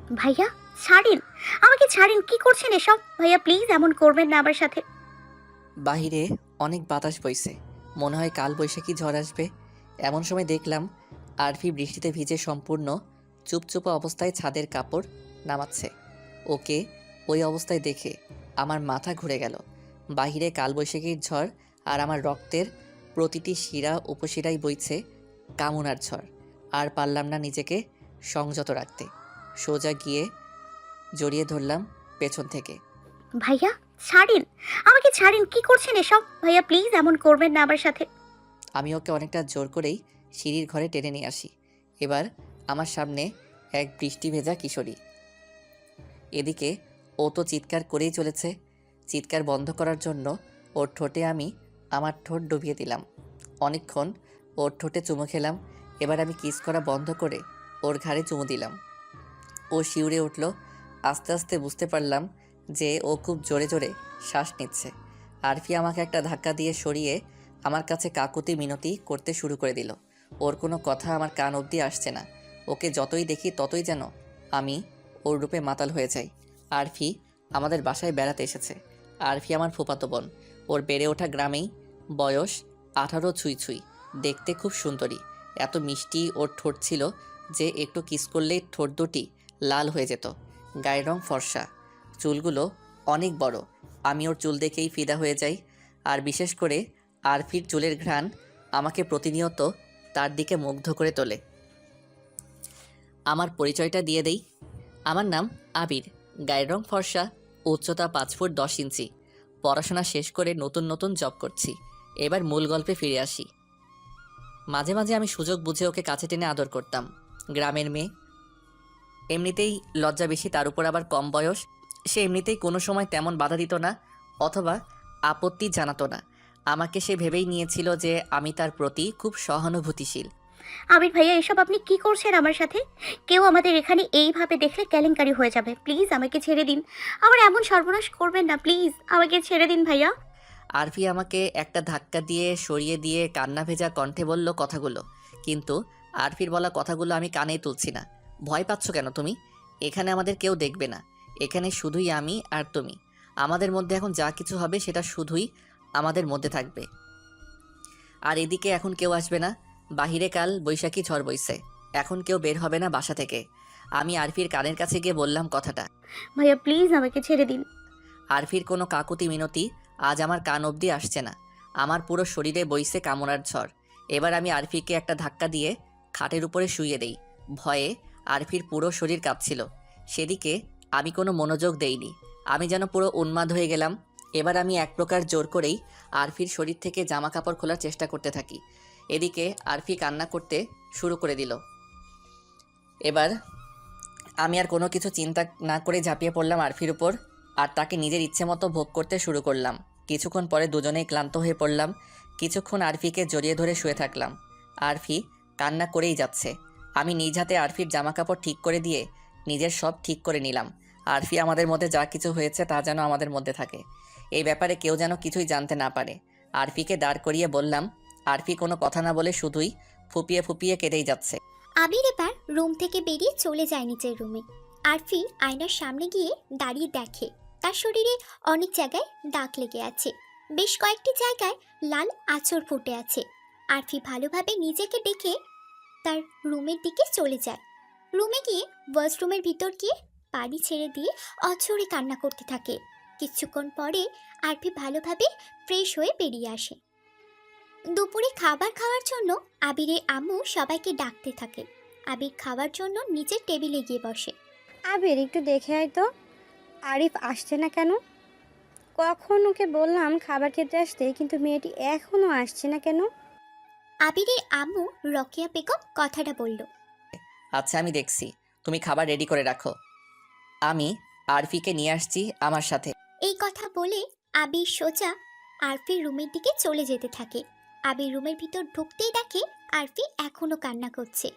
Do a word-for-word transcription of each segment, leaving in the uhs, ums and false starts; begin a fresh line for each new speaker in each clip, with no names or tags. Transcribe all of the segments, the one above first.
ভাইয়া ছাড়েন, আমাকে ছাড়েন, কি করছেন এসব? ভাইয়া প্লিজ এমন করবেন না আমার সাথে।
বাহিরে অনেক বাতাস বইছে, মনে হয় কাল বৈশাখী ঝড় আসবে। এমন সময় দেখলাম আরফি বৃষ্টিতে ভিজে সম্পূর্ণ চুপচুপা অবস্থায় ছাদের কাপড় নামাচ্ছে। ওকে ওই অবস্থায় দেখে আমার মাথা ঘুরে গেল। বাহিরে কালবৈশাখীর ঝড় আর আমার রক্তের প্রতিটি শিরা উপশিরায় বইছে কামনার ঝড়। আর পারলাম না নিজেকে সংযত রাখতে, সোজা গিয়ে জড়িয়ে ধরলাম পেছন থেকে।
ভাইয়া ছাড়েন, আমাকে ছাড়েন, কি করছেন এসব? ভাইয়া প্লিজ এমন করবেন না আমার সাথে।
আমি ওকে অনেকটা জোর করেই সিঁড়ির ঘরে টেনে নিয়ে আসি। এবার আমার সামনে এক বৃষ্টি ভেজা কিশোরী। এদিকে ও তো চিৎকার করেই চলেছে। চিৎকার বন্ধ করার জন্য ওর ঠোঁটে আমি আমার ঠোঁট ডুবিয়ে দিলাম। অনেকক্ষণ ওর ঠোঁটে চুমু খেলাম। এবার আমি কিস করা বন্ধ করে ওর ঘাড়ে চুমু দিলাম। ও শিউরে উঠল। আস্তে আস্তে বুঝতে পারলাম যে ও খুব জোরে জোরে শ্বাস নিচ্ছে। আরফি আমাকে একটা ধাক্কা দিয়ে সরিয়ে আমার কাছে কাকুতি মিনতি করতে শুরু করে দিল। ওর কোনো কথা আমার কান অবধি আসছে না। ওকে যতই দেখি ততই যেন আমি ওর রূপে মাতাল হয়ে যাই। আরফি আমাদের বাসায় বেড়াতে এসেছে। আরফি আমার ফুফাতো বোন। ওর বেড়ে ওঠা গ্রামেই, বয়স আঠারো ছুঁই ছুঁই, দেখতে খুব সুন্দরী। এত মিষ্টি ওর ঠোঁট ছিল যে একটু কিস করলেই ঠোঁট দুটি লাল হয়ে যেত। গায়ের রং ফর্সা, চুলগুলো অনেক বড়। আমি ওর চুল দেখেই ফিদা হয়ে যাই। আর বিশেষ করে আরফির চুলের ঘ্রাণ আমাকে প্রতিনিয়ত তার দিকে মুগ্ধ করে তোলে। আমার পরিচয়টা দিয়ে দেই। আমার নাম আবির, গায়ের রং ফর্সা, উচ্চতা পাঁচ ফুট দশ ইঞ্চি। পড়াশোনা শেষ করে নতুন নতুন জব করছি। এবার মূল গল্পে ফিরে আসি। মাঝে মাঝে আমি সুযোগ বুঝে ওকে কাছে টেনে আদর করতাম। গ্রামের মেয়ে, এমনিতেই লজ্জা বেশি, তার উপর আবার কম বয়স। সে এমনিতেই কোনো সময় তেমন বাধা দিত না অথবা আপত্তি জানাতো না। আমাকে সে ভেবেই নিয়েছিল যে আমি তার প্রতি খুব সহানুভূতিশীল।
আবির ভাইয়া এসব আপনি কি করছেন আমার সাথে? কেউ আমাদের এখানে এইভাবে দেখলে কেলেঙ্কারি হয়ে যাবে। প্লিজ আমাকে ছেড়ে দিন, আমার এমন সর্বনাশ করবেন না, প্লিজ আমাকে ছেড়ে দিন ভাইয়া।
আরফি আমাকে একটা ধাক্কা দিয়ে সরিয়ে দিয়ে কান্না ভেজা কণ্ঠে বলল কথাগুলো। কিন্তু আরফির বলা কথাগুলো আমি কানেই তুলছি না। ভয় পাচ্ছ কেন তুমি? এখানে আমাদের কেউ দেখবে না। এখানে শুধুই আমি আর তুমি। আমাদের মধ্যে এখন যা কিছু হবে সেটা শুধুই আমাদের মধ্যে থাকবে। আর এদিকে এখন কেউ আসবে না। বাহিরে কাল বৈশাখী ঝড় বইছে। এখন কেউ বের হবে না বাসা থেকে। আমি আরফির কানের কাছে গিয়ে বললাম কথাটা।
ভাইয়া প্লিজ আমাকে ছেড়ে দিন।
আরফির কোনো কাকুতি মিনতি আজ আমার কান অবধি আসছে না। আমার পুরো শরীরে বইছে কামনার ঝড়। এবার আমি আরফিকে একটা ধাক্কা দিয়ে খাটের উপরে শুইয়ে দেই। ভয়ে আরফির পুরো শরীর কাঁপছিল। সেদিকে আমি কোনো মনোযোগ দেইনি। আমি যেন পুরো উন্মাদ হয়ে গেলাম। এবার আমি এক প্রকার জোর করেই আরফির শরীর থেকে জামা কাপড় খোলার চেষ্টা করতে থাকি। এদিকে আরফি কান্না করতে শুরু করে দিল। এবার আমি আর কোনো কিছু চিন্তা না করে ঝাঁপিয়ে পড়লাম আরফির উপর আর তাকে নিজের ইচ্ছে মতো ভোগ করতে শুরু করলাম। কিছুক্ষণ পরে দুজনেই ক্লান্ত হয়ে পড়লাম। কিছুক্ষণ আরফিকে জড়িয়ে ধরে শুয়ে থাকলাম। আরফি কান্না করেই যাচ্ছে। আমি নিজ হাতে আরফির জামাকাপড় ঠিক করে দিয়ে নিজের সব ঠিক করে নিলাম। আরফি আমাদের মধ্যে যা কিছু হয়েছে তা যেন আমাদের মধ্যে থাকে। এই ব্যাপারে কেউ যেন কিছুই জানতে না পারে। আরফিকে দাঁড় করিয়ে বললাম। আরফি কোনো কথা না বলে শুধুই ফুপিয়ে ফুপিয়ে কেঁদেই যাচ্ছে।
আবির এবার রুম থেকে বেরিয়ে চলে যায় নিচের রুমে। আরফি আয়নার সামনে গিয়ে দাঁড়িয়ে দেখে তার শরীরে অনেক জায়গায় দাগ লেগে আছে, বেশ কয়েকটি জায়গায় লাল আঁচড় ফুটে আছে। আরফি ভালোভাবে নিজেকে দেখে তার রুমের দিকে চলে যায়। রুমে গিয়ে ওয়াশরুমের ভিতর গিয়ে পানি ছেড়ে দিয়ে অঝরে কান্না করতে থাকে। কিছুক্ষণ পরে আরফি ভালোভাবে ফ্রেশ হয়ে বেরিয়ে আসে। দুপুরে খাবার খাওয়ার জন্য আবিরের আম্মু সবাইকে ডাকতে থাকে। আবির খাওয়ার জন্য নিচের টেবিলে গিয়ে বসে।
আবির একটু দেখে আয় তো, আরিফ আসছে না কেন? কখন ওকে বললাম খাবার খেতে আসতে, কিন্তু মেয়েটি এখনো আসছে না কেন?
আবিরের আম্মু রকিয়া বেগম কথাটা বলল।
আচ্ছা আমি দেখছি, তুমি খাবার রেডি করে রাখো। আমি আরফিকে নিয়ে আসছি আমার সাথে।
এই কথা বলে আবির সোজা আরফির রুমের দিকে চলে যেতে থাকে। আবির রুমের ভিতর ঢুকতেই দেখে আরফি এখনো কান্না করছে।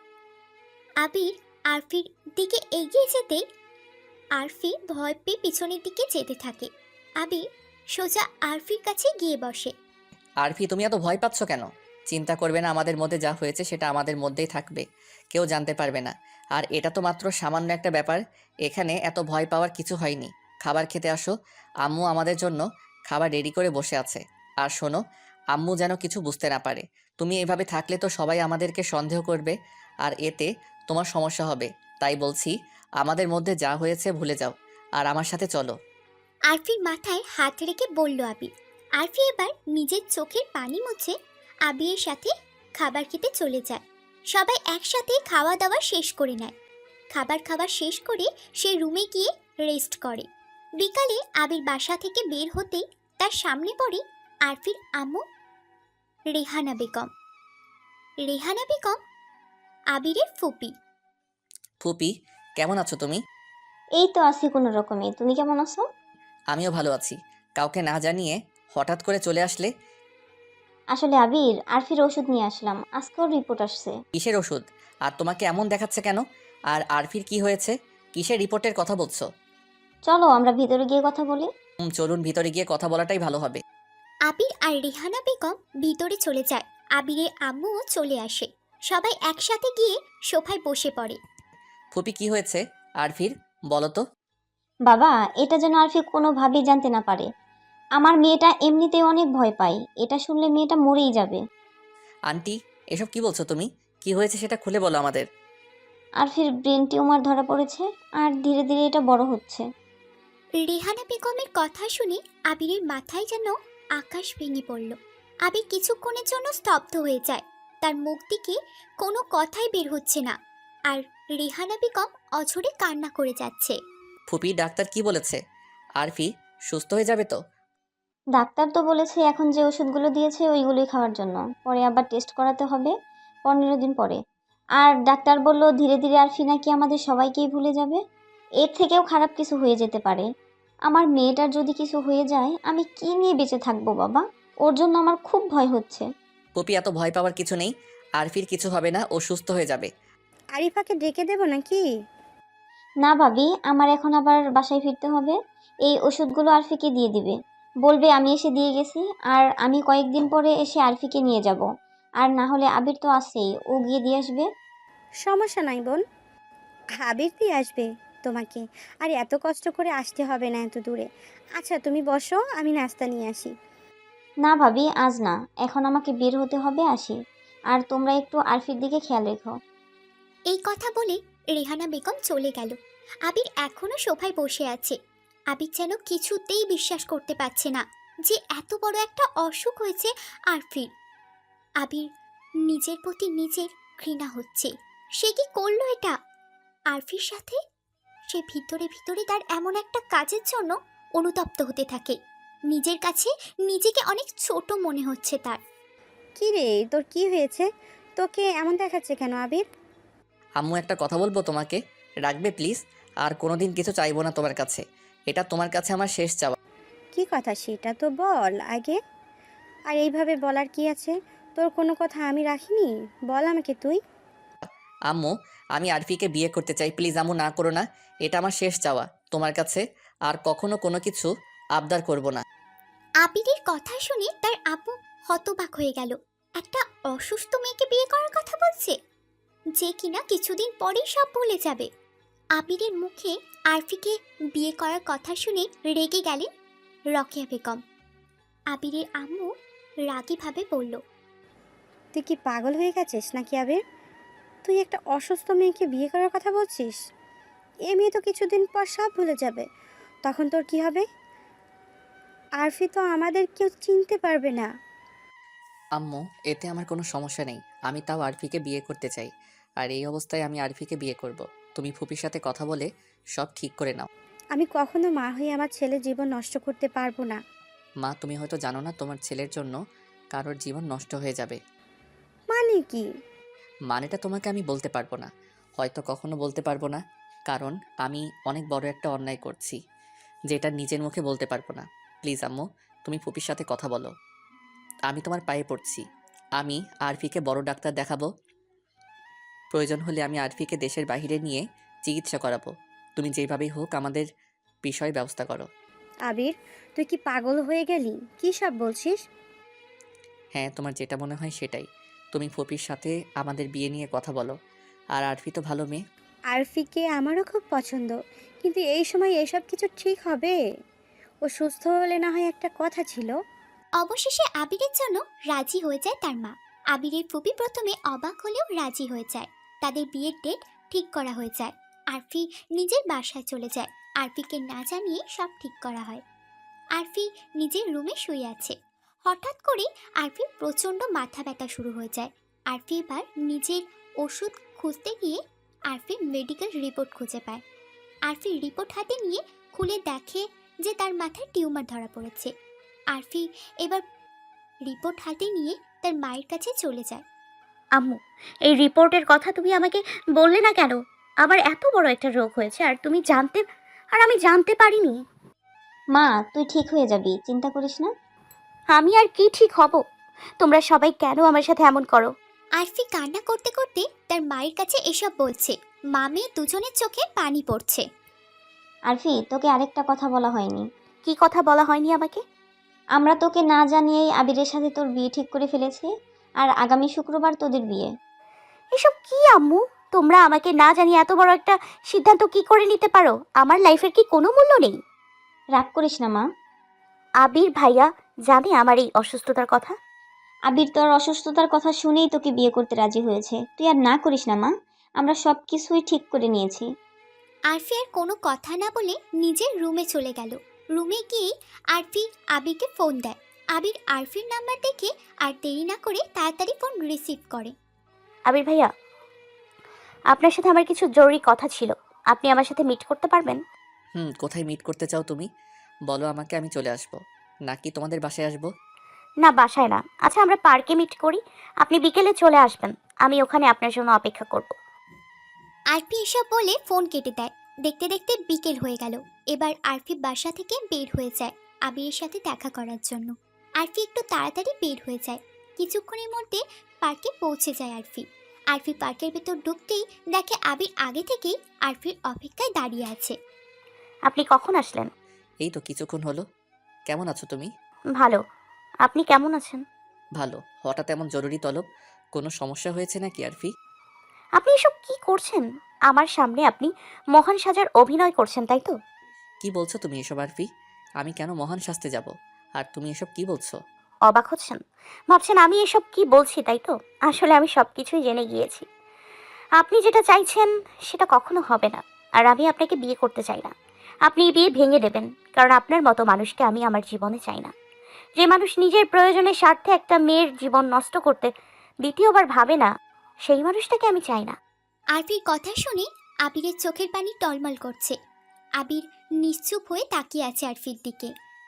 আবির আরফির দিকে এগিয়ে যেতেই আরফি ভয় পেয়ে পিছনের দিকে যেতে থাকে। আবির সোজা আরফির কাছে গিয়ে বসে।
আরফি তুমি এত ভয় পাচ্ছ কেন? চিন্তা করবে না, আমাদের মধ্যে যা হয়েছে সেটা আমাদের মধ্যেই থাকবে, কেউ জানতে পারবে না। আর এটা তো মাত্র সামান্য একটা ব্যাপার, এখানে এত ভয় পাওয়ার কিছু হয়নি। খাবার খেতে আসো, আম্মু আমাদের জন্য খাবার রেডি করে বসে আছে। আর শোনো, আম্মু যেন কিছু বুঝতে না পারে। তুমি এভাবে থাকলে তো সবাই আমাদেরকে সন্দেহ করবে, আর এতে তোমার সমস্যা হবে। তাই বলছি, আমাদের মধ্যে যা হয়েছে ভুলে যাও, আর আমার সাথে চলো।
আরফির মাথায় হাত রেখে বলল আবির। আরফি এবার নিজের চোখের পানি মুছে আবিরের সাথে খাবার খেতে চলে যায়। সবাই একসাথে খাওয়া দাওয়া শেষ করে নেয়। খাবার খাওয়া শেষ করে সে রুমে গিয়ে রেস্ট করে। বিকালে আবির বাসা থেকে বের হতেই তার সামনে পড়ে আরফির আম্মু রেহানা বেগম। রেহানা বেগম আবিরের ফুপি।
ফুপি, কেমন আছো তুমি?
এই তো আছি কোনো রকমে। তুমি কেমন আছো?
আমিও ভালো আছি। কাউকে না জানিয়ে হঠাৎ করে চলে আসলে?
আসলে আবির, আরফির ওষুধ নিয়ে আসলাম। আজকেও রিপোর্ট আসছে।
কিসের ওষুধ? আর তোমাকে এমন দেখাচ্ছে কেন? আর আরফির কি হয়েছে? কিসের রিপোর্টের কথা বলছো?
চলো আমরা ভিতরে গিয়ে কথা বলি।
হুম, চলুন, ভিতরে গিয়ে কথা বলাটাই ভালো হবে।
আবির আর রেহানা বেগম ভিতরে চলে যায়। আবিরের আম্মুও চলে আসে। সবাই একসাথে গিয়ে সোফায় বসে পড়ে।
ফুপি, কি হয়েছে আরফির? বলো তো।
বাবা, এটা যেন আরফি কোনোভাবেই জানতে না পারে। আমার মেয়েটা এমনিতেই অনেক ভয় পায়। এটা শুনলে মেয়েটা মরেই যাবে।
আন্টি, এসব কি বলছো তুমি? কি হয়েছে সেটা খুলে বলো আমাদের।
আরফির ব্রেন টিউমার ধরা পড়েছে, আর ধীরে ধীরে এটা বড় হচ্ছে।
রেহানা বেগমের কথা শুনে আবিরের মাথায় যেন আকাশ ভেঙে পড়ল। আবির কিছুক্ষণের জন্য স্তব্ধ হয়ে যায়। তার মুখ থেকে কোনো কথাই বের হচ্ছে না। আর রেহানা বেগম অঝরে কান্না করে যাচ্ছে।
ফুপি, ডাক্তার কি বলেছে? আরফি সুস্থ হয়ে যাবে তো?
ডাক্তার তো বলেছে এখন যে ওষুধগুলো দিয়েছে ওইগুলোই খাওয়ার জন্য। পরে আবার টেস্ট করাতে হবে পনেরো দিন পরে। আর ডাক্তার বলল ধীরে ধীরে আরফি নাকি আমাদের সবাইকেই ভুলে যাবে। এর থেকেও খারাপ কিছু হয়ে যেতে পারে। আমার মেয়েটার যদি কিছু হয়ে যায় আমি কি নিয়ে বেঁচে থাকবো বাবা? ওর জন্য আমার খুব ভয় হচ্ছে।
ফুপি, এত ভয় পাওয়ার কিছু নেই। আরফির কিছু হবে না, ও সুস্থ হয়ে যাবে।
আরিফাকে ডেকে দেবো নাকি?
না ভাবি, আমার এখন আবার বাসায় ফিরতে হবে। এই ওষুধগুলো আরফিকে দিয়ে দিবে। বলবে আমি এসে দিয়ে গেছি। আর আমি কয়েকদিন পরে এসে আরফিকে নিয়ে যাব। আর না হলে আবির তো আছেই, ও গিয়ে দিয়ে আসবে।
সমস্যা নাই বোন, আবির দিয়ে আসবে তোমাকে। আর এত কষ্ট করে আসতে হবে না এত দূরে। আচ্ছা তুমি বসো, আমি নাস্তা নিয়ে আসি।
না ভাবি, আজ না, এখন আমাকে বের হতে হবে, আসি। আর তোমরা একটু আরফির দিকে খেয়াল রেখো।
এই কথা বলে রেহানা বেগম চলে গেল। আবির এখনো সোফায় বসে আছে। আবির যেন কিছুতেই বিশ্বাস করতে পারছে না যে এত বড় একটা অসুখ হয়েছে আরফির। আবির নিজের প্রতি নিজের ঘৃণা হচ্ছে। সে কি করলো এটা আরফির সাথে? সে ভিতরে ভিতরে তার এমন একটা কাজের জন্য অনুতপ্ত হতে থাকে। নিজের কাছে নিজেকে অনেক ছোট মনে হচ্ছে তার।
কি রে, তোর কি হয়েছে? তোকে এমন দেখাচ্ছে কেন আবির?
আম্মু, একটা কথা বলবো তোমাকে, রাখবে প্লিজ? আর কোনোদিন কিছু চাইবো না তোমার কাছে। এটা তোমার কাছে আমার শেষ চাওয়া।
কি কথা সেটা তো বল আগে। আর এইভাবে বলার কি আছে? তোর কোনো কথা আমি রাখিনি, বল আমাকে তুই।
আম্মু, আমি আরফিকে বিয়ে করতে চাই, প্লিজ আম্মু, না করো না। এটা আমার শেষ চাওয়া তোমার কাছে। আর কখনো কোনো কিছু আবদার করব না।
আবিরের কথা শুনে তার আপু হতবাক হয়ে গেল। একটা অসুস্থ মেয়েকে বিয়ে করার কথা বলছে, যে কিনা কিছুদিন পরেই সব ভুলে যাবে। আবিরের মুখে আরফিকে বিয়ে করার কথা শুনে রেগে গেলেন রকেয়া বেগম। আবিরের আম্মু রাগীভাবে বলল,
তুই কি পাগল হয়ে গেছিস নাকি আবির? তুই একটা অসুস্থ মেয়েকে বিয়ে করার কথা বলছিস? এ মেয়ে তো কিছুদিন পর সব ভুলে যাবে, তখন তোর কি হবে? আরফি তো আমাদের কেউ চিনতে পারবে না।
আম্মু, এতে আমার কোনো সমস্যা নেই। আমি তাও আরফিকে বিয়ে করতে চাই। আর এই অবস্থায় আমি আরফিকে বিয়ে করব। তুমি ফুপির সাথে কথা বলে সব ঠিক করে নাও।
আমি কখনো মা হয়ে আমার ছেলের জীবন নষ্ট করতে পারবো না।
মা, তুমি হয়তো জানো না তোমার ছেলের জন্য কারোর জীবন নষ্ট হয়ে যাবে।
মানে কি?
মানেটা তোমাকে আমি বলতে পারবো না, হয়তো কখনো বলতে পারবো না। কারণ আমি অনেক বড় একটা অন্যায় করছি, যেটা নিজের মুখে বলতে পারবো না। প্লিজ আম্মু, তুমি ফুপির সাথে কথা বলো। আমি তোমার পায়ে পড়ছি। আমি আরফিকে বড় ডাক্তার দেখাবো। প্রয়োজন হলে আমি আরফিকে দেশের বাইরে নিয়ে চিকিৎসা করাবো। তুমি যেভাবেই হোক আমাদের বিষয় ব্যবস্থা করো।
আবির, তুই কি পাগল হয়ে গেলি? কি সব বলছিস?
হ্যাঁ, তোমার যেটা মনে হয় সেটাই। তুমি ফুপির সাথে আমাদের বিয়ে নিয়ে কথা বলো। আর আরফি তো ভালো মেয়ে।
আরফিকে আমারও খুব পছন্দ, কিন্তু এই সময় এসব কিছু ঠিক হবে? ও সুস্থ হলে না হয় একটা কথা ছিল।
অবশেষে আবিরের জন্য রাজি হয়ে যায় তার মা। আবিরের ফুপি প্রথমে অবাক হলেও রাজি হয়ে যায়। তাদের বিয়ের ডেট ঠিক করা হয়ে যায়। আরফি নিজের বাসায় চলে যায়। আরফিকে না জানিয়ে সব ঠিক করা হয়। আরফি নিজের রুমে শুয়ে আছে। হঠাৎ করে আরফির প্রচণ্ড মাথা ব্যথা শুরু হয়ে যায়। আরফি এবার নিজের ওষুধ খুঁজতে গিয়ে আরফি মেডিকেল রিপোর্ট খুঁজে পায়। আরফি রিপোর্ট হাতে নিয়ে খুলে দেখে যে তার মাথায় টিউমার ধরা পড়েছে। আরফি এবার রিপোর্ট হাতে নিয়ে তার মায়ের কাছে চলে যায়।
আম্মু, এই রিপোর্টের কথা তুমি আমাকে বললে না কেন? আমার এত বড় একটা রোগ হয়েছে আর তুমি জানতে আর আমি জানতে পারিনি।
মা, তুই ঠিক হয়ে যাবি, চিন্তা করিস না।
আমি আর কি ঠিক হব? তোমরা সবাই কেন আমার সাথে এমন করো?
আরফি কান্না করতে করতে তার মায়ের কাছে এসব বলছে। মা মেয়ে দুজনের চোখে পানি পড়ছে।
আরফি, তোকে আরেকটা কথা বলা হয়নি।
কি কথা বলা হয়নি আমাকে?
আমরা তোকে না জানিয়েই আবিরের সাথে তোর বিয়ে ঠিক করে ফেলেছি, আর আগামী শুক্রবার তোদের বিয়ে।
এসব কি আম্মু? তোমরা আমাকে না জানিয়ে এত বড় একটা সিদ্ধান্ত কি করে নিতে পারো? আমার লাইফের কি কোনো মূল্য নেই?
রাগ করিস না মা।
আবির ভাইয়া জানে আমার এই অসুস্থতার কথা?
আবির তোর অসুস্থতার কথা শুনেই তোকে বিয়ে করতে রাজি হয়েছে। তুই আর না করিস না মা, আমরা সব কিছুই ঠিক করে নিয়েছি।
আরফি আর কোনো কথা না বলে নিজের রুমে চলে গেল। রুমে গিয়ে আরফি আবিরকে ফোন দেয়। আবির আরফির নাম্বার দেখে আর দেরি না করে তাড়াতাড়ি ফোন রিসিভ করে।
আবির ভাইয়া, আপনার সাথে আমার কিছু জরুরি কথা ছিল। আপনি আমার সাথে মিট করতে পারবেন?
হুম, কোথায় মিট করতে চাও তুমি? বলো আমাকে, আমি চলে আসবো। নাকি তোমাদের বাসায় আসবো?
না, বাসায় না। আচ্ছা, আমরা পার্কে মিট করি। আপনি বিকেলে চলে আসবেন। আমি ওখানে আপনার জন্য অপেক্ষা করব।
আরফি এসব বলে ফোন কেটে দেয়। দেখতে দেখতে বিকেল হয়ে গেল। এবার আরফি বাসা থেকে বের হয়ে যায় আবিরের সাথে দেখা করার জন্য। আরফি একটু তাড়াতাড়ি বের হয়ে যায়। কিছুক্ষণের মধ্যে পার্কে পৌঁছে যায় আরফি। আরফি পার্কের ভেতর ঢুকতেই দেখে আবির আগে থেকেই আরফির অপেক্ষায় দাঁড়িয়ে আছে।
আপনি কখন আসলেন?
এই তো কিছুক্ষণ হলো। কেমন আছো তুমি?
ভালো। আপনি কেমন আছেন?
ভালো। হঠাৎ এমন জরুরি তলব? কোনো সমস্যা হয়েছে নাকি আরফি?
আপনি এসব কি করছেন? আমার সামনে আপনি মহান সাজার অভিনয় করছেন, তাই তো?
কি বলছো তুমি এসব আরফি? আমি কেন মহান সাজতে যাব? আর তুমি এসব কি বলছো?
অবাক হচ্ছেন? ভাবছেন আমি এসব কি বলছি, তাই তো? আসলে আমি সব কিছুই জেনে গিয়েছি। আপনি যেটা চাইছেন সেটা কখনো হবে না। আর আমি আপনাকে বিয়ে করতে চাই না। আপনি এই বিয়ে ভেঙে দেবেন, কারণ আপনার মতো মানুষকে আমি আমার জীবনে চাই না। যে মানুষ নিজের প্রয়োজনের স্বার্থে একটা মেয়ের জীবন নষ্ট করতে দ্বিতীয়বার ভাবে না, সেই মানুষটাকে আমি চাই না।
আরফির কথা শুনে আবিরের চোখের পানি টলমল করছে। আবির নিশ্চুপ হয়ে তাকিয়ে আছে আরফির দিকে।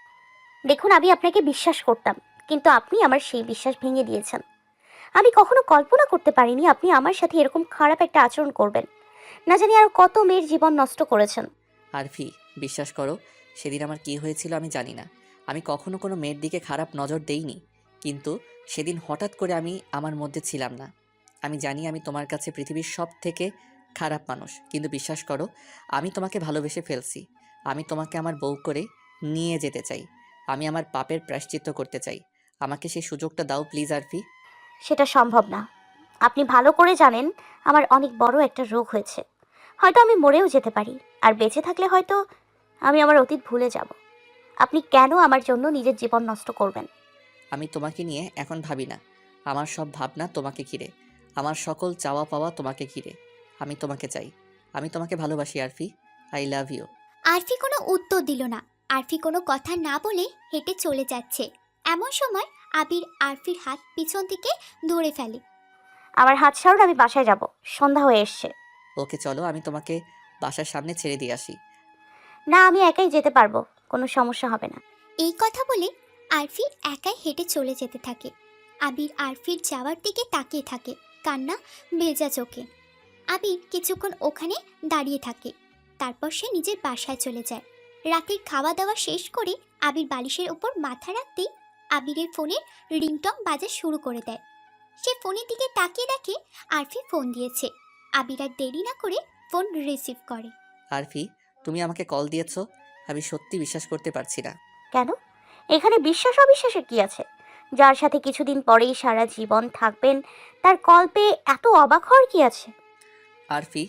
দেখুন, আমি আপনাকে বিশ্বাস করতাম, কিন্তু আপনি আমার সেই বিশ্বাস ভেঙে দিয়েছেন। আমি কখনো কল্পনা করতে পারিনি আপনি আমার সাথে এরকম খারাপ একটা আচরণ করবেন। না জানি আর কত মেয়ের জীবন নষ্ট করেছেন।
আরফি, বিশ্বাস করো, সেদিন আমার কি হয়েছিল আমি জানি না। আমি কখনো কোনো মেয়ের দিকে খারাপ নজর দেইনি, কিন্তু সেদিন হঠাৎ করে আমি আমার মধ্যে ছিলাম না। আমি জানি আমি তোমার কাছে পৃথিবীর সব থেকে খারাপ মানুষ, কিন্তু বিশ্বাস করো, আমি তোমাকে ভালোবেসে ফেলছি। আমি তোমাকে আমার বউ করে নিয়ে যেতে চাই। আমি আমার পাপের প্রায়শ্চিত্ত করতে চাই। আমাকে সেই সুযোগটা দাও প্লিজ আরফি।
সেটা সম্ভব না। আপনি ভালো করে জানেন আমার অনেক বড় একটা রোগ হয়েছে। হয়তো আমি মরেও যেতে পারি, আর বেঁচে থাকলে হয়তো আমি আমার অতীত ভুলে যাব। আপনি কেন আমার জন্য নিজের জীবন নষ্ট করবেন?
আমি তোমাকে নিয়ে এখন ভাবি না। আমার সব ভাবনা তোমাকে ঘিরে। আমার সকল চাওয়া পাওয়া তোমাকে ঘিরে। আমি তোমাকে চাই। আমি তোমাকে ভালোবাসি Arfi. I love you.
Arfi কোনো উত্তর দিল না। আরফি কোনো কথা না বলে হেঁটে চলে যাচ্ছে। এমন সময় আবির আরফির হাত পিছন থেকে ধরে ফেলে।
আমার হাত ছাড়ুন, আমি বাসায় যাব। সন্ধ্যা হয়ে এসছে।
ওকে চলো, আমি তোমাকে বাসার সামনে ছেড়ে দিয়ে আসি।
না, আমি একাই যেতে পারবো, কোনো সমস্যা হবে না।
এই কথা বলে আরফি একাই হেঁটে চলে যেতে থাকে। আবির আরফির যাওয়ার দিকে তাকিয়ে থাকে, কান্না ভেজা চোখে। আবির কিছুক্ষণ ওখানে দাঁড়িয়ে থাকে। তারপর সে নিজের বাসায় চলে যায়। রাতের খাওয়া দাওয়া শেষ করে আবির বালিশের ওপর মাথা রাখতেই আবিরের ফোনের রিংটং বাজা শুরু করে দেয়। সে ফোনের দিকে তাকিয়ে দেখে আরফি ফোন দিয়েছে। আবির আর দেরি না করে ফোন রিসিভ করে।
আরফি, তুমি আমাকে কল দিয়েছো? আমি সত্যি বিশ্বাস করতে পারছি না।
কেন? এখানে বিশ্বাস অবিশ্বাসের কি আছে? যার সাথে কিছুদিন পরেই সারা জীবন থাকবেন, তার কল পেয়ে এত অবাক হওয়ার কি আছে?
আরফি,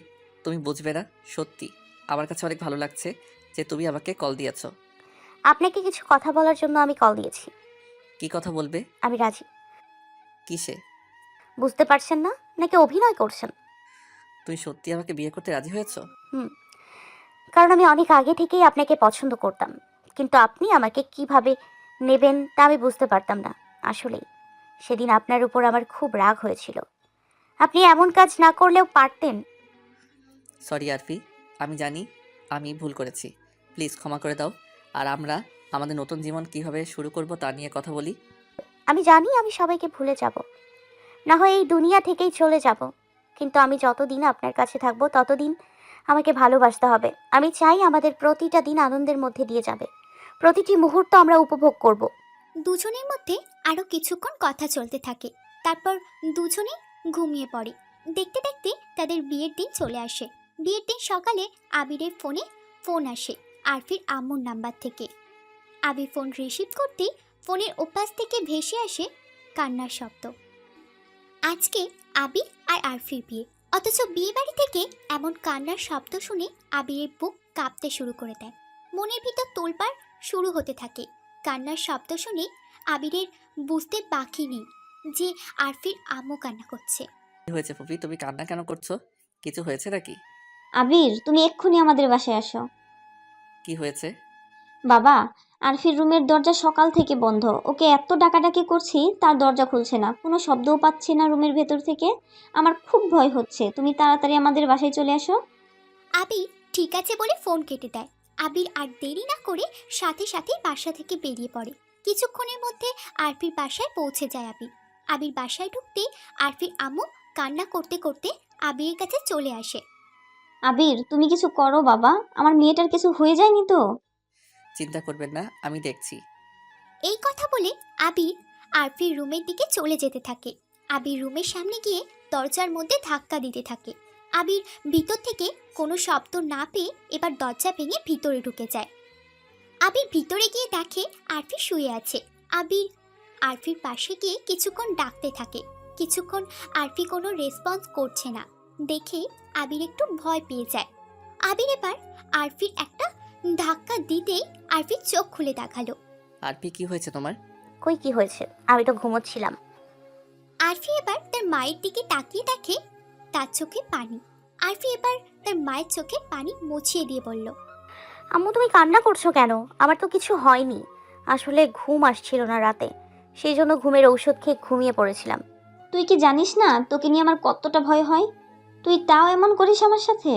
তুমি বুঝবে না, সত্যি আমার কাছে অনেক ভালো লাগছে যে তুমি আমাকে কল দিয়েছো।
আপনাকে কিছু কথা বলার জন্য আমি কল দিয়েছি।
কি কথা বলবে?
আমি রাজি।
কিসে?
বুঝতে পারছেন না নাকি অভিনয় করছেন?
তুই সত্যি আমাকে বিয়ে করতে রাজি হয়েছো?
হুম, কারণ আমি অনেক আগে থেকেই আপনাকে পছন্দ করতাম, কিন্তু আপনি আমাকে কিভাবে নেবেন তা আমি বুঝতে পারতাম না। আসলেই সেদিন আপনার উপর আমার খুব রাগ হয়েছিল। আপনি এমন কাজ না করলেও পারতেন।
সরি আরফি, আমি জানি আমি ভুল করেছি। প্লিজ ক্ষমা করে দাও। আর আমরা আমাদের নতুন জীবন কিভাবে শুরু করব তা নিয়ে কথা বলি।
আমি জানি আমি সবাইকে ভুলে যাব, না হয় এই দুনিয়া থেকেই চলে যাব, কিন্তু আমি যতদিন আপনার কাছে থাকবো ততদিন আমাকে ভালোবাসতে হবে। আমি চাই আমাদের প্রতিটা দিন আনন্দের মধ্যে দিয়ে যাবে, প্রতিটি মুহূর্ত আমরা উপভোগ করব।
দুজনের মধ্যে আরও কিছুক্ষণ কথা চলতে থাকে। তারপর দুজনে ঘুমিয়ে পড়ে। দেখতে দেখতে তাদের বিয়ের দিন চলে আসে। বিয়ের দিন সকালে আবিরের ফোনে ফোন আসে আরফির আম্মুর নাম্বার থেকে। আবির ফোন রিসিভ করতেই ফোনের ওপাশ থেকে ভেসে আসে কান্নার শব্দ। আজকে আবির আর আরফির বিয়ে, অথচ বিয়ে বাড়ি থেকে এমন কান্নার শব্দ শুনে আবিরের বুক কাঁপতে শুরু করে দেয়। মনের ভিতর তোলপাড় শুরু হতে থাকে। কান্নার শব্দ শুনে আবিরের বুঝতে বাকি নেই যে আরফির আম্মু কান্না করছে।
কি হয়েছে ফুপি, তুমি কান্না কেন করছো? কিছু হয়েছে নাকি?
আবির, তুমি এক্ষুনি আমাদের বাসায় আসো।
কি হয়েছে?
বাবা, আরফির রুমের দরজা সকাল থেকে বন্ধ। ওকে এত ডাকাডাকি করছি, তার দরজা খুলছে না, কোনো শব্দও পাচ্ছি না রুমের ভেতর থেকে। আমার খুব ভয় হচ্ছে, তুমি তাড়াতাড়ি আমাদের বাসায় চলে আসো।
আবির ঠিক আছে বলে ফোন কেটে দেয়। আবির আর দেরি না করে সাথে সাথে বাসা থেকে বেরিয়ে পড়ে। কিছুক্ষণের মধ্যে আরফির বাসায় পৌঁছে যায় আবির। আবির বাসায় ঢুকতে আরফির আম্মু কান্না করতে করতে আবিরের কাছে চলে আসে।
আবির, তুমি কিছু করো বাবা, আমার মেয়েটার কিছু হয়ে যায়নি তো?
চিন্তা করবেন না, আমি দেখছি।
এই কথা বলে আবির আরফির রুমের দিকে চলে যেতে থাকে। আবির রুমের সামনে গিয়ে দরজার মধ্যে ধাক্কা দিতে থাকে। আবির ভিতর থেকে কোনো শব্দ না পেয়ে এবার দরজা ভেঙে ভিতরে ঢুকে যায়। আবির ভিতরে গিয়ে দেখে আরফি শুয়ে আছে। আবির আরফির পাশে গিয়ে কিছুক্ষণ ডাকতে থাকে। কিছুক্ষণ আরফি কোনো রেসপন্স করছে না দেখে আবির একটু ভয় পেয়ে যায়। আবির এবার আরফির একটা ধাক্কা দিতেই আরফির চোখ খুলে দেখালো।
আরফি, কি হয়েছে তোমার?
কই কি হয়েছে, আমি তো ঘুমোচ্ছিলাম।
আরফি এবার তার মায়ের দিকে তাকিয়ে দেখে তার চোখে পানি। আরফি এবার তার মায়ের চোখে পানি মুছিয়ে দিয়ে বলল,
আম্মু তুমি কান্না করছো কেন? আমার তো কিছু হয়নি, আসলে ঘুম আসছিল না রাতে, সেই জন্য ঘুমের ঔষধ খেয়ে ঘুমিয়ে পড়েছিলাম।
তুই কি জানিস না তোকে নিয়ে আমার কতটা ভয় হয়? তুই তাও এমন করিস আমার সাথে?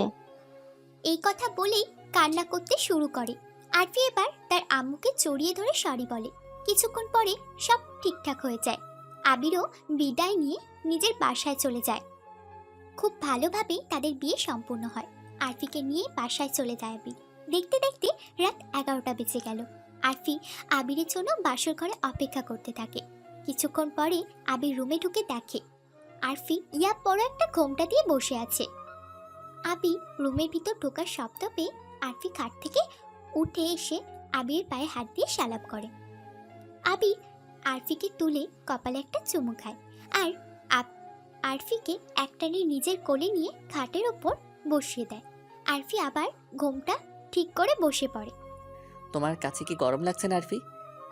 এই কথা বলেই কান্না করতে শুরু করে। আরফি এবার তার আম্মুকে জড়িয়ে ধরে সরি বলে। কিছুক্ষণ পরে সব ঠিকঠাক হয়ে যায়। আবিরও বিদায় নিয়ে নিজের বাসায় চলে যায়। খুব ভালোভাবে তাদের বিয়ে সম্পূর্ণ হয়। আরফিকে নিয়ে বাসায় চলে যায় আবির। দেখতে দেখতে রাত এগারোটা বেজে গেল। আরফি আবিরের জন্য বাসর ঘরে অপেক্ষা করতে থাকে। কিছুক্ষণ পরে আবির রুমে ঢুকে দেখে আরফি ইয়া বড় একটা ঘোমটা দিয়ে বসে আছে। আবি রুমের ভিতর ঢোকার শব্দ পেয়ে আরফি খাট থেকে উঠে এসে আবির পায়ে হাত দিয়ে সালাপ করে। আবি আরফিকে তুলে কপালে একটা চুমু খায় আর আরফিকে একটানে নিজের কোলে নিয়ে খাটের ওপর বসিয়ে দেয়। আরফি আবার ঘোমটা ঠিক করে বসে পড়ে।
তোমার কাছে কি গরম লাগছে না আরফি?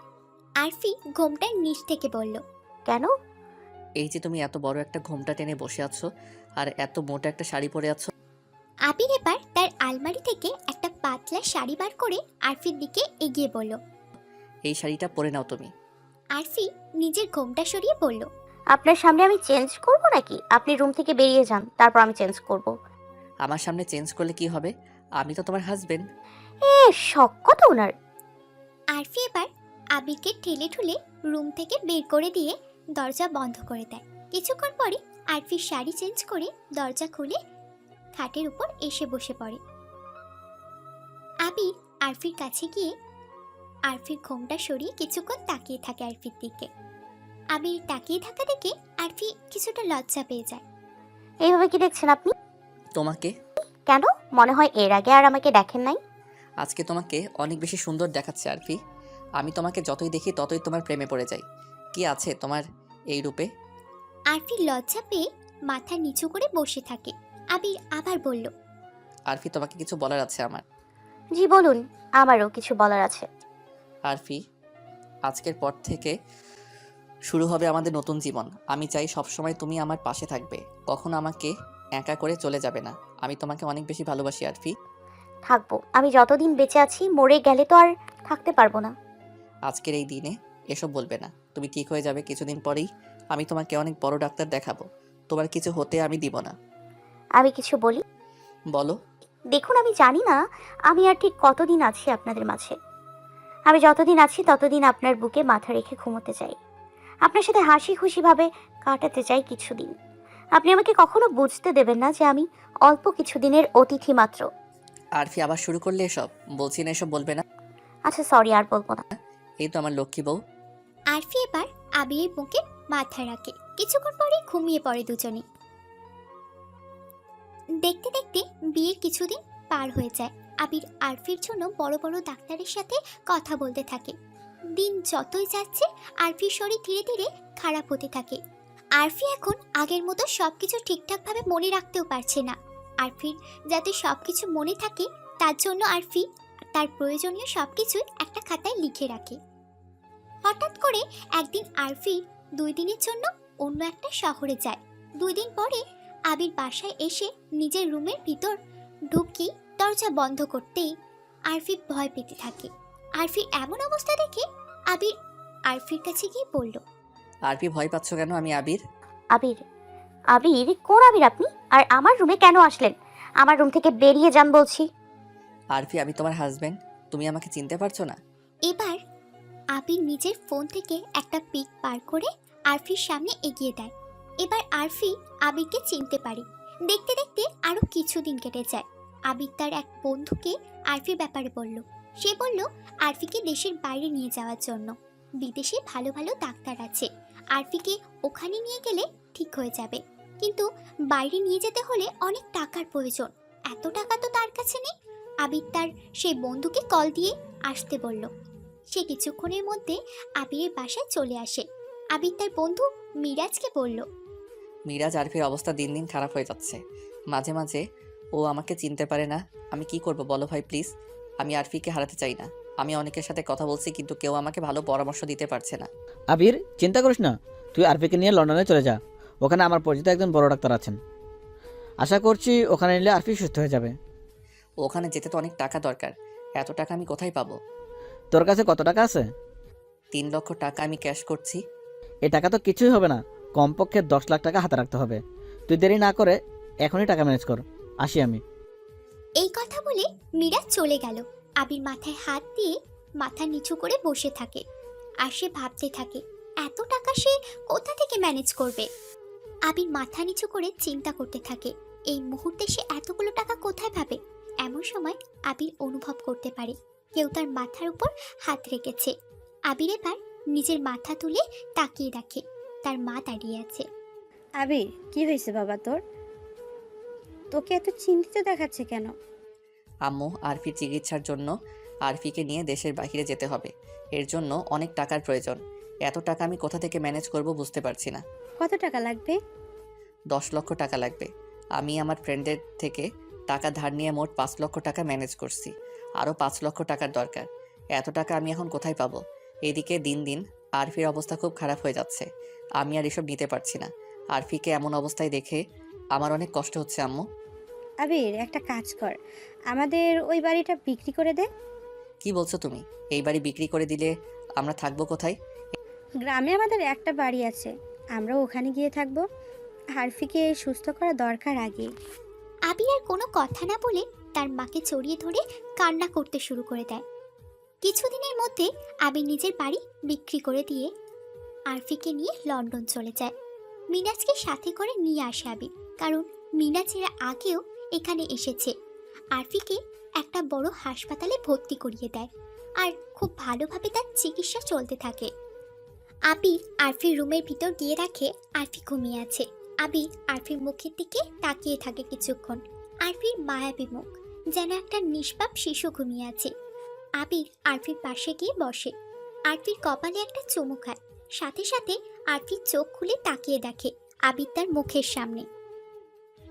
আরফি ঘোমটার নিচ থেকে বলল,
কেন?
এই যে তুমি এত বড় একটা ঘোমটা টেনে বসে আছো আর এত মোটা একটা শাড়ি পরে আছো।
আবির এবার তার আলমারি থেকে একটা পাতলা শাড়ি বার করে আরফির দিকে এগিয়ে বলল।
এই শাড়িটা পরে নাও তুমি।
আরফি নিজের ঘোমটা সরিয়ে বলল,
আপনার সামনে আমি চেঞ্জ করব নাকি? আপনি রুম থেকে বেরিয়ে যান, তারপর আমি চেঞ্জ করব।
আমার সামনে চেঞ্জ করলে কি হবে? আমি তো তোমার হাজবেন্ড।
এ শখ কত ওনার।
আরফি এবার আবিরকে ঠেলে ঠুলে রুম থেকে বের করে দিয়ে দরজা বন্ধ করে দেয়। কিছুক্ষণ পরে আরফির শাড়ি চেঞ্জ করে দরজা খুলে খাটের উপর এসে বসে পড়ে। আবির আরফির কাছে গিয়ে আরফির ঘোমটা সরিয়ে কিছুক্ষণ তাকিয়ে থাকে আরফির দিকে। আবির তাকিয়ে থাকা দেখে আরফি কিছুটা লজ্জা পেয়ে যায়।
এইভাবে কি দেখছেন আপনি?
তোমাকে?
কেন? মনে হয় এর আগে আর আমাকে দেখেন নাই।
আজকে তোমাকে অনেক বেশি সুন্দর দেখাচ্ছে আরফি। আমি তোমাকে যতই দেখি ততই তোমার প্রেমে পড়ে যাই। কি আছে তোমার এই রূপে?
আরফি লজ্জা পেয়ে মাথা নিচু করে বসে থাকে। আবির আবার বলল,
আরফি, তোমাকে কিছু বলার আছে আমার।
জি বলুন, আমারও কিছু বলার আছে।
আরফি, আজকের পর থেকে শুরু হবে আমাদের নতুন জীবন। আমি চাই সবসময় তুমি আমার পাশে থাকবে, কখনো আমাকে একা করে চলে যাবে না। আমি তোমাকে অনেক বেশি ভালোবাসি আরফি।
থাকবো, আমি যতদিন বেঁচে আছি, মরে গেলে তো আর থাকতে পারবো না।
আজকের এই দিনে এসব বলবে না। তুমি ঠিক হয়ে যাবে কিছুদিন পরেই। আমি তোমাকে অনেক বড় ডাক্তার দেখাবো। তোমার কিছু হতে আমি দিব না।
আমি কিছু বলি?
বলো।
দেখুন, আমি জানি না আমি আর ঠিক কতদিন আছি আপনাদের মাঝে। আমি যতদিন আছি ততদিন আপনার বুকে মাথা রেখে ঘুমোতে চাই, আপনার সাথে হাসি খুশিভাবে কাটাতে চাই কিছুদিন। আপনি আমাকে কখনো বুঝতে দেবেন না যে আমি অল্প কিছুদিনের অতিথি মাত্র।
আরফি, আবার শুরু করলে এসব? বলছি না এসব বলবে না।
আচ্ছা সরি, আর বলবো না।
এই তো আমার লক্ষ্মী বউ।
আরফি এবার আবিরের বুকে মাথা রাখে। কিছুক্ষণ পরে ঘুমিয়ে পড়ে দুজনে। দেখতে দেখতে বিয়ের কিছুদিন পার হয়ে যায়। আবির আরফির জন্য বড় বড় ডাক্তারের সাথে কথা বলতে থাকে। দিন যতই যাচ্ছে আরফির শরীর ধীরে ধীরে খারাপ হতে থাকে। আরফি এখন আগের মতো সবকিছু ঠিকঠাকভাবে মনে রাখতেও পারছে না। আরফির যাতে সবকিছু মনে থাকে তার জন্য আরফি তার প্রয়োজনীয় সবকিছুই একটা খাতায় লিখে রাখে। হঠাৎ করে একদিন আরফি দুই দিনের জন্য অন্য একটা শহরে যায়। দুই দিন পরে আবির বাসায় এসে নিজের রুমের ভিতর ঢুকি দরজা বন্ধ করতেই আরফি ভয় পেতে থাকে। আরফির এমন অবস্থা দেখে আবির আরফির কাছে গিয়ে বলল,
আরফি, ভয় পাচ্ছ কেন? আমি আবির।
আবির? আবির? কোন আবির আপনি? আর আমার রুমে কেন আসলেন? আমার রুম থেকে বেরিয়ে যান বলছি।
আরফি, আমি তোমার হাজবেন্ড। তুমি আমাকে চিনতে পারছো না?
এবার আবির নিজের ফোন থেকে একটা পিক বার করে আরফির সামনে এগিয়ে দেয়। এবার আরফি আবিরকে চিনতে পারে। দেখতে দেখতে আরো কিছুদিন কেটে যায়। আবির তার এক বন্ধুকে আরফির ব্যাপারে বলল। সে বলল আরফিকে দেশের বাইরে নিয়ে যাওয়ার জন্য। বিদেশে ভালো ভালো ডাক্তার আছে, আরফিকে ওখানে নিয়ে গেলে ঠিক হয়ে যাবে। কিন্তু বাইরে নিয়ে যেতে হলে অনেক টাকার প্রয়োজন। এত টাকা তো তার কাছে নেই। আবির তার সেই বন্ধুকে কল দিয়ে আসতে বলল। সে কিছুক্ষণের মধ্যে আবিরের বাসায় চলে আসে। আবির তার বন্ধু মিরাজকে বলল,
মিরাজ, আরফির অবস্থা দিন দিন খারাপ হয়ে যাচ্ছে। মাঝে মাঝে ও আমাকে চিনতে পারে না। আমি কি করব বলো ভাই প্লিজ। আমি আরফিকে হারাতে চাই না। আমি অনেকের সাথে কথা বলছি কিন্তু কেউ আমাকে ভালো পরামর্শ দিতে পারছে না।
আবির, চিন্তা করিস না, তুই আরফিকে নিয়ে লন্ডনে চলে যা। ওখানে আমার পরিচিত একজন বড় ডাক্তার আছেন। আশা করছি ওখানে নিলে আরফি সুস্থ হয়ে যাবে।
ওখানে যেতে তো অনেক টাকা দরকার। এত টাকা আমি কোথায় পাবো?
তোর কাছে কত টাকা আছে?
তিন লক্ষ টাকা আমি ক্যাশ করছি।
এই টাকা তো কিছুই হবে না, কমপক্ষে দশ লাখ টাকা হাতে রাখতে হবে। তুই দেরি না করে এখনই টাকা ম্যানেজ কর। আসি আমি।
এই কথা বলে মিরাজ চলে গেল। আবির মাথায় হাত দিয়ে মাথা নিচু করে বসে থাকে। আর সে ভাবতে থাকে এত টাকা সে কোথা থেকে ম্যানেজ করবে। আবির মাথা নিচু করে চিন্তা করতে থাকে এই মুহূর্তে সে এতগুলো টাকা কোথায় পাবে। এমন সময় আবির অনুভব করতে পারে কেউ তার মাথার উপর হাত রেখেছে। আবির এবার নিজের মাথা তুলে তাকিয়ে দেখে তার মা দাঁড়িয়ে আছে।
আবির, কি হয়েছে বাবা তোর? তোকে এত চিন্তিত দেখাচ্ছে কেন?
আম্মু, আরফির চিকিৎসার জন্য আরফিকে নিয়ে দেশের বাইরে যেতে হবে। এর জন্য অনেক টাকার প্রয়োজন। এত টাকা আমি কোথা থেকে ম্যানেজ করব বুঝতে পারছি না।
কত টাকা লাগবে?
দশ লক্ষ টাকা লাগবে। আমি আমার ফ্রেন্ডের থেকে টাকা ধার নিয়ে মোট পাঁচ লক্ষ টাকা ম্যানেজ করছি। আরও পাঁচ লক্ষ টাকার দরকার। এত টাকা আমি এখন কোথায় পাবো? এদিকে দিন দিন আরফির অবস্থা খুব খারাপ হয়ে যাচ্ছে। আমি আর এসব নিতে পারছি না। আরফিকে এমন অবস্থায় দেখে আমার অনেক কষ্ট হচ্ছে আম্মু।
আবির, একটা কাজ কর, আমাদের ওই বাড়িটা বিক্রি করে দে।
কি বলছো তুমি? এই বাড়ি বিক্রি করে দিলে আমরা থাকবো কোথায়?
গ্রামে আমাদের একটা বাড়ি আছে, আমরা ওখানে গিয়ে থাকবো। আরফিকে সুস্থ করা দরকার আগে।
আবির আর কোনো কথা না বলে তার মাকে জড়িয়ে ধরে কান্না করতে শুরু করে দেয়। কিছুদিনের মধ্যে আবির নিজের বাড়ি বিক্রি করে দিয়ে আরফিকে নিয়ে লন্ডন চলে যায়। মিনাজকে সাথে করে নিয়ে আসে আবির, কারণ মিনাজের আগেও এখানে এসেছে। আরফিকে একটা বড় হাসপাতালে ভর্তি করিয়ে দেয় আর খুব ভালোভাবে তার চিকিৎসা চলতে থাকে। আবির আরফির রুমের ভিতর গিয়ে রাখে আরফি ঘুমিয়ে আছে। আবির আরফির মুখের দিকে তাকিয়ে থাকে কিছুক্ষণ। আরফির মায়াবী মুখ, যেন একটা নিষ্পাপ শিশু ঘুমিয়ে আছে। আবির আরফির পাশে গিয়ে বসে। আরফির কপালে একটা চুমু খায়। সাথে সাথে আরফির চোখ খুলে তাকিয়ে দেখে আবির তার মুখের সামনে।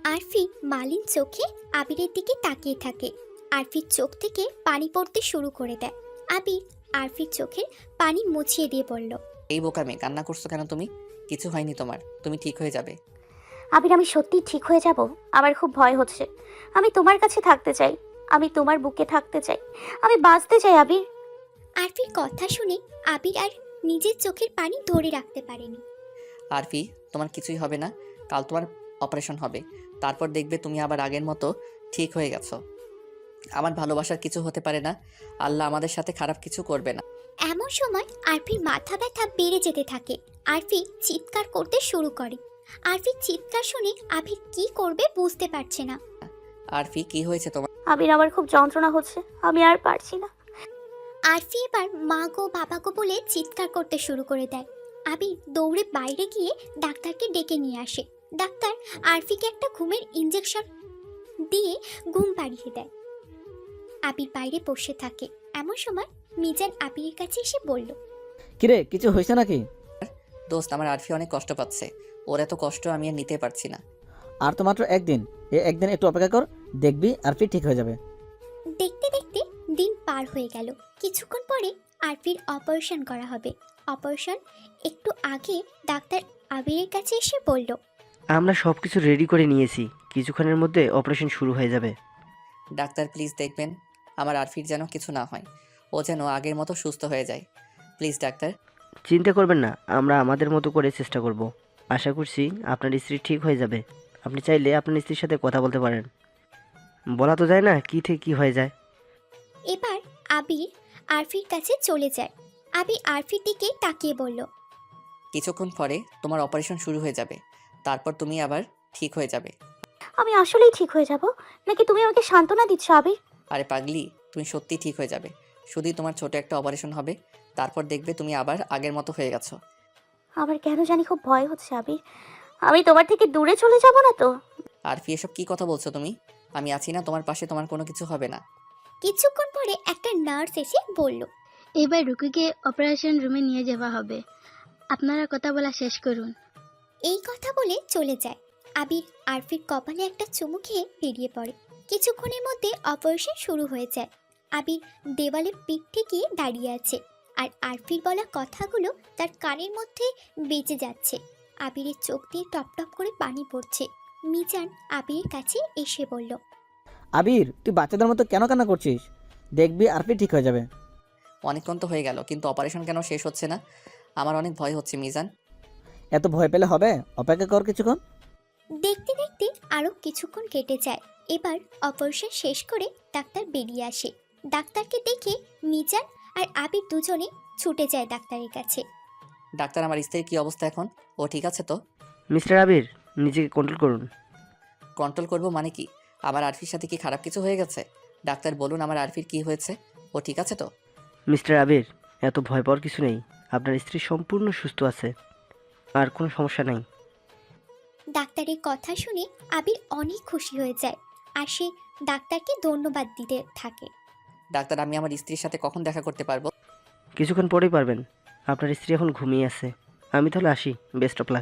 আরফি মালিন চোখে আবিরের দিকে তাকিয়ে থাকে। আরফির চোখ থেকে পানি পড়তে শুরু করে দেয়। আবির আরফির চোখের পানি মুছিয়ে দিয়ে বলল,
এই বোকা মেয়ে, কান্না করছো কেন তুমি? কিছু হয়নি তোমার, তুমি ঠিক হয়ে যাবে।
আবির, আমি সত্যি ঠিক হয়ে যাব? আমার খুব ভয় হচ্ছে। আমি তোমার কাছে থাকতে চাই, আমি তোমার বুকে থাকতে চাই, আমি বাঁচতে চাই আবির।
আরফির কথা শুনে আবির আর নিজের চোখের পানি ধরে রাখতে পারেনি।
আরফি, তোমার কিছুই হবে না। কাল তোমার অপারেশন হবে, তারপর দেখবে তুমি আবার আগের মতো ঠিক হয়ে গেছো। আমার ভালোবাসার কিছু হতে পারে না, আল্লাহ আমাদের সাথে খারাপ কিছু করবে না।
এমন সময় আরফির মাথা ব্যথা বেড়ে যেতে থাকে। আরফি চিৎকার করতে শুরু করে। আরফির চিৎকার শুনে আবির কি করবে বুঝতে পারছে না।
আরফি, কি হয়েছে তোমার?
আবির, আমার খুব যন্ত্রণা হচ্ছে, আমি আর পারছি না।
আরফি এবার মা গো বাবা গো বলে চিৎকার করতে শুরু করে দেয়। আবির দৌড়ে বাইরে গিয়ে ডাক্তারকে ডেকে নিয়ে আসে। ডাক্তার আরফিকে একটা ঘুমের ইঞ্জেকশন দিয়ে ঘুম পাড়িয়ে দেয়। আবির বাইরে বসে থাকে। এমন সময় মিজান আবিরের কাছে এসে বলল,
কিরে, কিছু হয়েছে নাকি?
দোস্ত, আমার আরফি অনেক কষ্ট পাচ্ছে, ওর এত কষ্ট আমি আর নিতে পারছি না।
আর তো মাত্র একদিন, এ একদিন একটু অপেক্ষা কর, দেখবি আরফি ঠিক হয়ে যাবে।
দেখতে দেখতে দিন পার হয়ে গেল। কিছুক্ষণ পরে আরফির অপারেশন করা হবে। অপারেশন একটু আগে ডাক্তার আবিরের কাছে এসে বলল,
আমরা সব কিছু রেডি করে নিয়েছি, কিছুক্ষণের মধ্যে অপারেশন শুরু হয়ে যাবে।
ডাক্তার প্লিজ দেখবেন আমার আরফির যেন কিছু না হয়, ও যেন আগের মতো সুস্থ হয়ে যায়। Please doctor.
চিন্তা করবেন না, আমরা আমাদের মতো করে চেষ্টা করব। আশা করছি আপনার স্ত্রী ঠিক হয়ে যাবে। আপনি চাইলে আপনার স্ত্রীর সাথে কথা বলতে পারেন। বলা তো যায় না কী থেকে কী হয়ে যায়।
এবার আবির আরফির কাছে চলে যায়। আবির আরফির দিকে তাকিয়ে বলল,
কিছুক্ষণ পরে তোমার অপারেশন শুরু হয়ে যাবে, তারপর তুমি আবার ঠিক হয়ে যাবে।
আমি আসলেই ঠিক হয়ে যাব নাকি তুমি আমাকে সান্ত্বনা দিচ্ছ আবির?
আরে পাগলি, তুমি সত্যিই ঠিক হয়ে যাবে। শুধুই তোমার ছোট একটা অপারেশন হবে, তারপর দেখবে তুমি আবার আগের মতো হয়ে গেছো।
আমার কেন জানি খুব ভয় হচ্ছে আবির। আমি তোমার থেকে দূরে চলে যাব না তো?
আরফি, এসব কি কথা বলছো তুমি? আমি আছি না তোমার পাশে, তোমার কোনো কিছু হবে না।
কিছুক্ষণ পরে একটা নার্স এসে বলল,
এবার রুকুকে অপারেশন রুমে নিয়ে যাওয়া হবে, আপনারা কথা বলা শেষ করুন।
এই কথা বলে চলে যায়। আবির আরফির কপালে একটা চুমু খেয়ে বেরিয়ে পড়ে। কিছুক্ষণের মধ্যে অপারেশন শুরু হয়ে যায়। আবির দেওয়ালে পিঠ ঠেকিয়ে দাঁড়িয়ে আছে, আর আরফির বলা কথাগুলো তার কানের মধ্যে বেজে যাচ্ছে। আবিরের চোখ দিয়ে টপ টপ করে পানি পড়ছে। মিজান আবিরের কাছে এসে বলল,
আবির, তুই বাচ্চাদের মতো কেন কান্না করছিস? দেখবি আরফি ঠিক হয়ে যাবে।
অনেকক্ষণ তো হয়ে গেল, কিন্তু অপারেশন কেন শেষ হচ্ছে না? আমার অনেক ভয় হচ্ছে মিজান।
এত ভয় পেলে হবে? অপেক্ষা কর কিছুক্ষণ।
দেখতে দেখতে আরও কিছুক্ষণ কেটে যায়। এবার অপারেশন শেষ করে ডাক্তার বেরিয়ে আসে। ডাক্তারকে দেখে মিজান আর আবির দুজনে ছুটে যায় ডাক্তারের কাছে।
ডাক্তার, আমার স্ত্রীর কি অবস্থা এখন? ও ঠিক আছে তো?
মিস্টার আবির, নিজেকে কন্ট্রোল করুন।
কন্ট্রোল করব মানে কি? আমার আরফির সাথে কি খারাপ কিছু হয়ে গেছে? ডাক্তার বলুন, আমার আরফির কি হয়েছে? ও ঠিক আছে তো?
মিস্টার আবির, এত ভয় পাওয়ার কিছু নেই। আপনার স্ত্রী সম্পূর্ণ সুস্থ আছে, আর কোনো সমস্যা নেই।
ডাক্তারের কথা শুনে আবির অনেক খুশি হয়ে যায়, আর সে ডাক্তারকে ধন্যবাদ দিতে থাকে।
ডাক্তার, আমি আমার স্ত্রীর সাথে কখন দেখা করতে পারবো?
কিছুক্ষণ পরেই পারবেন। আপনার স্ত্রী এখন ঘুমিয়ে আছে। আমি তাহলে আসি, বেস্ট অফ লাক।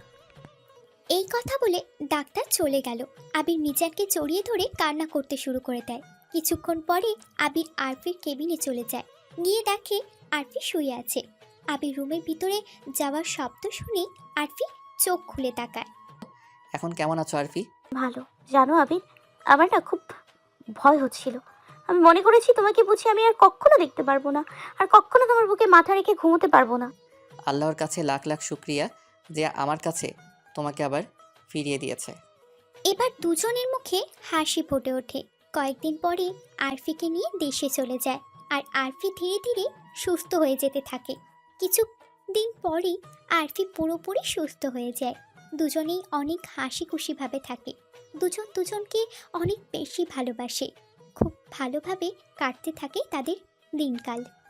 এই কথা বলে ডাক্তার চলে গেল। আবির মিজানকে জড়িয়ে ধরে কান্না করতে শুরু করে দেয়। কিছুক্ষণ পরে আবির আরফির কেবিনে চলে যায়। গিয়ে দেখে আরফি শুয়ে আছে। আবির রুমের ভিতরে যাওয়ার শব্দ শুনে আরফি চোখ খুলে তাকায়।
এখন কেমন আছো আরফি?
ভালো। জানো আবির, আমার না খুব ভয় হচ্ছিল। আমি মনে করেছি তোমাকে বুঝি আমি আর কখনো দেখতে পারবো না, আর কখনো তোমার বুকে মাথা রেখে ঘুমোতে পারবো না।
আল্লাহর কাছে লাখ লাখ শুক্রিয়া যে আমার কাছে তোমাকে আবার ফিরিয়ে দিয়েছে।
এবার দুজনের মুখে হাসি ফুটে ওঠে। কয়েকদিন পরে আরফিকে নিয়ে দেশে চলে যায়, আর আরফি ধীরে ধীরে সুস্থ হয়ে যেতে থাকে। কিছু দিন পরে আরফি পুরোপুরি সুস্থ হয়ে যায়। দুজনেই অনেক হাসি খুশিভাবে থাকে। দুজন দুজনকে অনেক বেশি ভালোবাসে। খুব ভালোভাবে কাটতে থাকে তাদের দিনকাল।